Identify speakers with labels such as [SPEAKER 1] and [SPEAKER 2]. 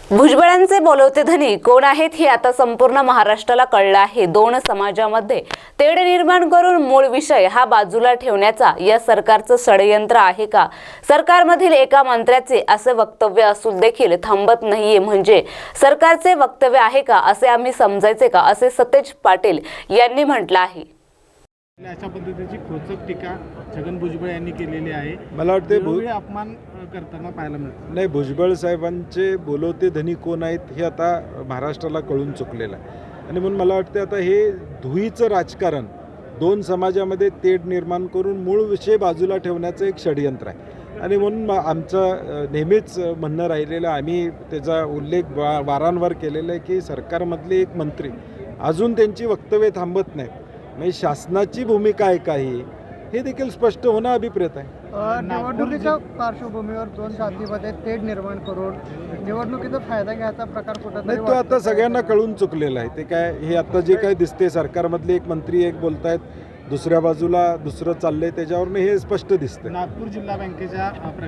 [SPEAKER 1] भुजबळांचे बोलवते धनी कोण आहेत हे आता संपूर्ण महाराष्ट्राला कळलं आहे। दोन समाजामध्ये तेढ निर्माण करून मूळ विषय हा बाजूला ठेवण्याचा या सरकारचं षडयंत्र आहे का? सरकारमधील एका मंत्र्याचे असे वक्तव्य असून देखील थांबत नाहीये म्हणजे सरकारचे वक्तव्य आहे का असे आम्ही समजायचे का, असे सतेज पाटील यांनी म्हटलं आहे।
[SPEAKER 2] अशा पद्धतीची खोचक टीका छगन भुजबळ यांनी केलेली आहे।
[SPEAKER 3] मला वाटते
[SPEAKER 2] अपमान करताना पाहायला मिळतं।
[SPEAKER 3] नाही, भुजबळ साहेबांचे बोलवते धनी कोण आहेत हे आता महाराष्ट्राला कळून चुकलेलं आहे आणि म्हणून मला वाटते आता हे धुईचं राजकारण दोन समाजामध्ये तेढ निर्माण करून मूळ विषय बाजूला ठेवण्याचं एक षडयंत्र आहे आणि म्हणून आमचं नेहमीच म्हणणं राहिलेलं, आम्ही त्याचा उल्लेख वारंवार केलेला आहे की सरकारमधले एक मंत्री अजून त्यांची वक्तव्य थांबत नाहीत। म्हणजे शासनाची भूमिका आहे काही हे देखील स्पष्ट होणं अभिप्रेत आहे।
[SPEAKER 4] निवडणुकीच्या पार्श्वभूमीवर दोन जातीमध्ये तेढ निर्माण करून निवडणुकीचा फायदा घ्यायचा प्रकार कुठं
[SPEAKER 3] नाही, तो आता सगळ्यांना कळून चुकलेला आहे। ते काय हे आता जे काय दिसते सरकारमधले एक मंत्री एक बोलतायत, दुसऱ्या बाजूला दुसरं चाललंय, त्याच्यावरनं हे स्पष्ट दिसतं।
[SPEAKER 2] नागपूर जिल्हा बँकेच्या